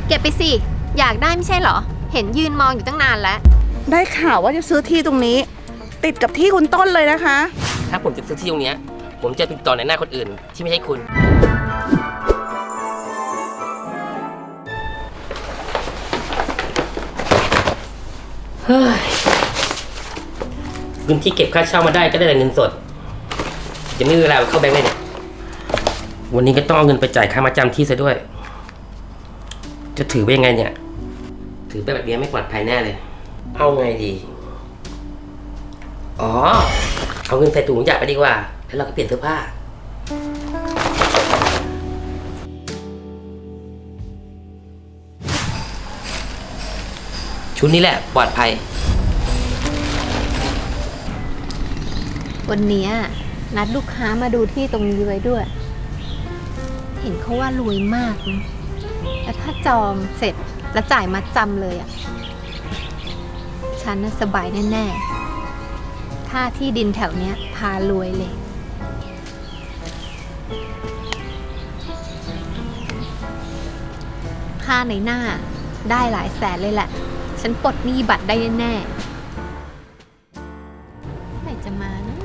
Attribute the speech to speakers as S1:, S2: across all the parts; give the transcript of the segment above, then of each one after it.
S1: เก็บไปสิอยากได้ไม่ใช่เหรอเห็นยืนมองอยู่ตั้งนานแล้ว
S2: ได้ข่าวว่าจะซื้อที่ตรงนี้ติดกับที่คุณต้นเลยนะคะ
S3: ถ้าผมจะซื้อที่ตรงนี้ผมจะติดต่อในหน้าคนอื่นที่ไม่ใช่คุณเฮ้ยเงินที่เก็บค่าเช่ามาได้ก็ได้แต่เงินสดจะไม่มีเวลาเข้าแบงค์เลยเนี่ยวันนี้ก็ต้องเอาเงินไปจ่ายค่ามาจำที่ซะด้วยจะถือไปยังไงเนี่ยถือไปแบบนี้ไม่ปลอดภัยแน่เลยเอาไงดีอ๋อเอาเงินใส่ถุงยางไปดีกว่าแล้วเราก็เปลี่ยนเสื้อผ้าชุดนี้แหละปลอดภัย
S1: วันนี้นัดลูกค้ามาดูที่ตรงนี้ไว้ด้วยเห็นเขาว่ารวยมากนะแล้วถ้าจองเสร็จแล้วจ่ายมัดจำเลยฉันน่ะสบายแน่ๆค่าที่ดินแถวเนี้ยพารวยเลยค่าในหน้าได้หลายแสนเลยแหละฉันปลดหนี้บัตรได้แน่ๆไหนจะมานะ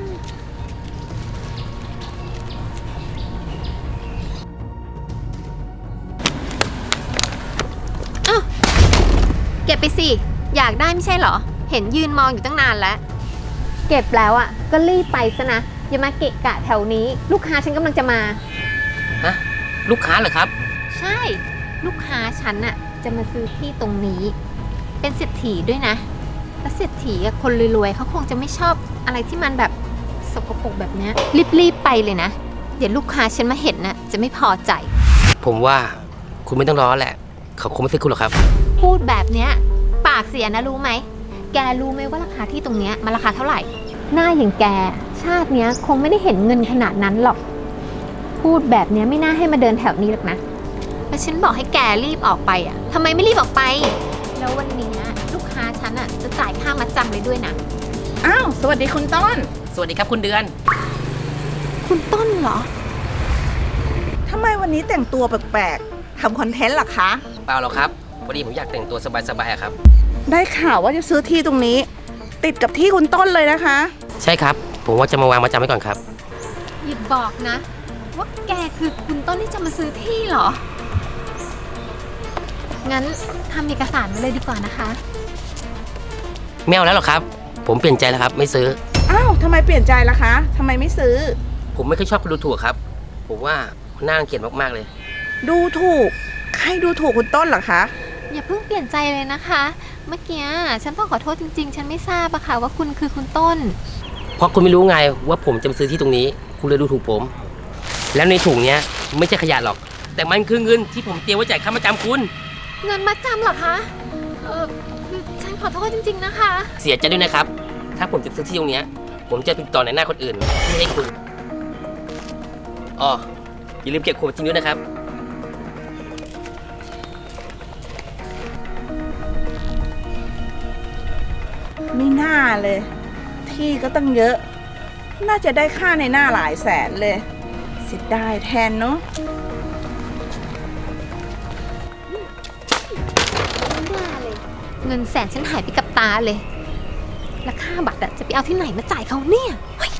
S1: เก็บไปสิอยากได้ไม่ใช่เหรอเห็นยืนมองอยู่ตั้งนานแล้วเก็บแล้วก็รีบไปซะนะอย่ามาเกะกะแถวนี้ลูกค้าฉันกำลังจะมา
S3: ฮะลูกค้าเหรอครับ
S1: ใช่ลูกค้าฉันจะมาซื้อที่ตรงนี้เป็นเศรษฐีด้วยนะแล้วเศรษฐีคนรวยๆเขาคงจะไม่ชอบอะไรที่มันแบบสกปรกแบบนี้รีบไปเลยนะเดี๋ยวลูกค้าฉันมาเห็นจะไม่พอใจ
S3: ผมว่าคุณไม่ต้องรอแหละเขาคงไม่ซื้อคุณหรอกครับ
S1: พูดแบบเนี้ยปากเสียนะรู้ไหมแกรู้ไหมว่าราคาที่ตรงเนี้ยมันราคาเท่าไหร่หน้าอย่างแกชาติเนี้ยคงไม่ได้เห็นเงินขนาดนั้นหรอกพูดแบบเนี้ยไม่น่าให้มาเดินแถวนี้หรอกนะแล้วฉันบอกให้แกรีบออกไปทำไมไม่รีบออกไปแล้ววันนี้ลูกค้าฉันจะจ่ายค่ามัดจำเลยด้วยนะ
S2: อ้าวสวัสดีคุณต้น
S3: สวัสดีครับคุณเดือน
S1: คุณต้นเหรอ
S2: ทำไมวันนี้แต่งตัวแปลกๆทำคอนเทนต์หรอคะ
S3: เปล่าหรอกครับพอดีผมอยากแต่งตัวสบายๆครับ
S2: ได้ข่าวว่าจะซื้อที่ตรงนี้ติดกับที่คุณต้นเลยนะคะ
S3: ใช่ครับผมว่าจะมาวางมาจำไว้ก่อนครับ
S1: อย่าบอกนะว่าแกคือคุณต้นที่จะมาซื้อที่เหรองั้นทำเอกสารมาเลยดีกว่านะคะ
S3: ไม่เอาแล้วหรอครับผมเปลี่ยนใจแล้วครับไม่ซื้อ
S2: อ้าวทำไมเปลี่ยนใจล่ะคะทำไมไม่ซื้อ
S3: ผมไม่ค่อยชอบคนดูถูกครับผมว่าน่ารังเกียจมากๆเลย
S2: ดูถูกใครดูถูกคุณต้นเหรอคะ
S1: อย่าเพิ่งเปลี่ยนใจเลยนะคะเมื่อกี้ฉันต้องขอโทษจริงๆฉันไม่ทราบค่ะว่าคุณคือคุณต้น
S3: เพราะคุณไม่รู้ไงว่าผมจะมาซื้อที่ตรงนี้คุณเลยดูถูกผมแล้วในถุงเนี้ยไม่ใช่ขยะหรอกแต่มันคือเงินที่ผมเตรียมไว้จ่ายค่ามาจำคุณ
S1: เงินมาจำเหรอคะคือฉันขอโทษจริงๆนะคะ
S3: เสียใจด้วยนะครับถ้าผมจะซื้อที่ตรงนี้ผมจะติดต่อในหน้าคนอื่นไม่ให้คุณอ๋ออย่าลืมเก็บขวดจริงด้วยนะครับ
S2: ไม่น่าเลยที่ก็ตั้งเยอะน่าจะได้ค่าในหน้าหลายแสนเลยเสียดายแทนเนาะ
S1: เงินแสนฉันหายไปกับตาเลยแล้วค่าบัตรจะไปเอาที่ไหนมาจ่ายเขาเนี่ย